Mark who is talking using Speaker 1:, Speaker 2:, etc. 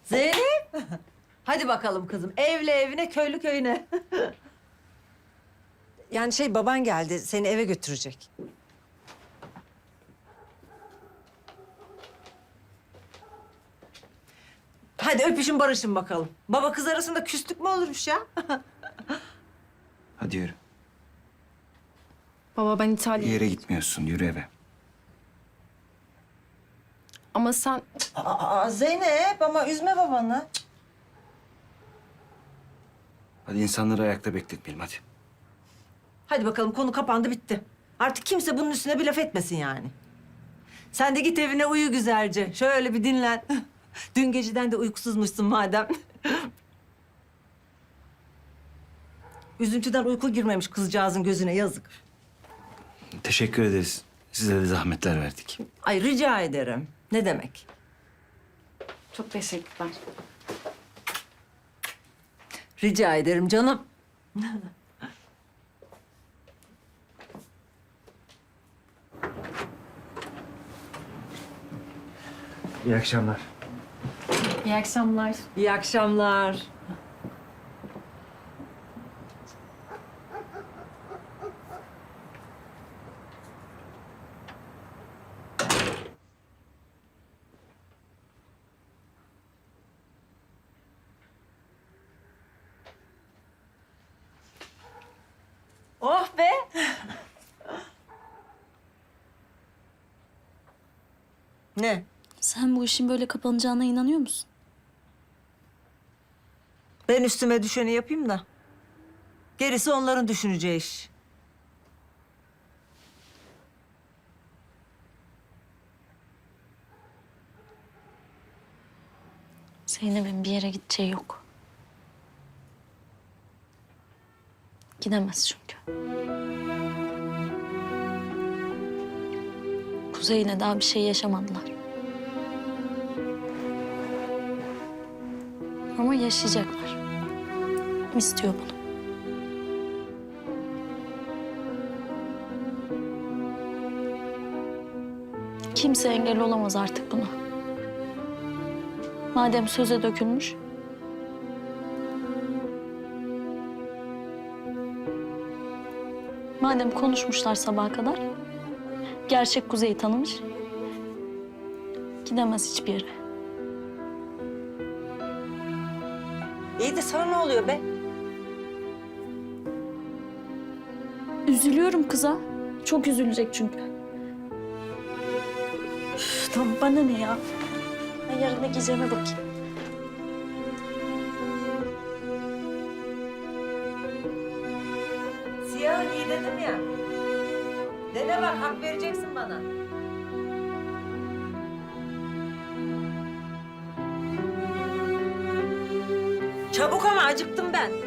Speaker 1: Zeynep. Hadi bakalım kızım. Evli evine, köylü köyüne.
Speaker 2: Yani baban geldi, seni eve götürecek.
Speaker 1: Hadi öpüşün barışın bakalım. Baba kız arasında küslük mü olurmuş ya?
Speaker 3: Hadi yürü.
Speaker 4: Baba ben
Speaker 3: Bir
Speaker 4: İtalya'ya...
Speaker 3: yere gitmiyorsun. Yürü eve.
Speaker 4: Ama sen...
Speaker 1: Aa, Zeynep ama üzme babanı.
Speaker 3: Hadi insanları ayakta bekletmeyelim hadi.
Speaker 1: Hadi bakalım konu kapandı bitti. Artık kimse bunun üstüne bir laf etmesin yani. Sen de git evine uyu güzelce. Şöyle bir dinlen. Dün geceden de uykusuzmuşsun madem. Üzüntüden uyku girmemiş kızcağızın gözüne yazık.
Speaker 3: Teşekkür ederiz. Size de zahmetler verdik.
Speaker 1: Ay rica ederim. Ne demek?
Speaker 4: Çok teşekkürler.
Speaker 1: Rica ederim canım.
Speaker 3: İyi akşamlar.
Speaker 4: İyi akşamlar.
Speaker 1: İyi akşamlar. Oh be! Ne?
Speaker 5: Sen bu işin böyle kapanacağına inanıyor musun?
Speaker 1: Ben üstüme düşeni yapayım da. Gerisi onların düşüneceği iş.
Speaker 5: Zeynep'in bir yere gideceği yok. Gidemez çünkü. Kuzey'le daha bir şey yaşamadılar. Ama yaşayacaklar. İstiyor bunu. Kimse engel olamaz artık buna. Madem söze dökülmüş. Madem konuşmuşlar sabaha kadar. Gerçek Kuzey'i tanımış. Gidemez hiçbir yere.
Speaker 1: İyi de sana ne oluyor be?
Speaker 5: Üzülüyorum kıza. Çok üzülecek çünkü. Üf, tamam bana ne ya? Ben yarın ne giyeceğime bakayım.
Speaker 1: Siyah giy dedim ya. Dene bak hak vereceksin bana. Çabuk ama acıktım ben.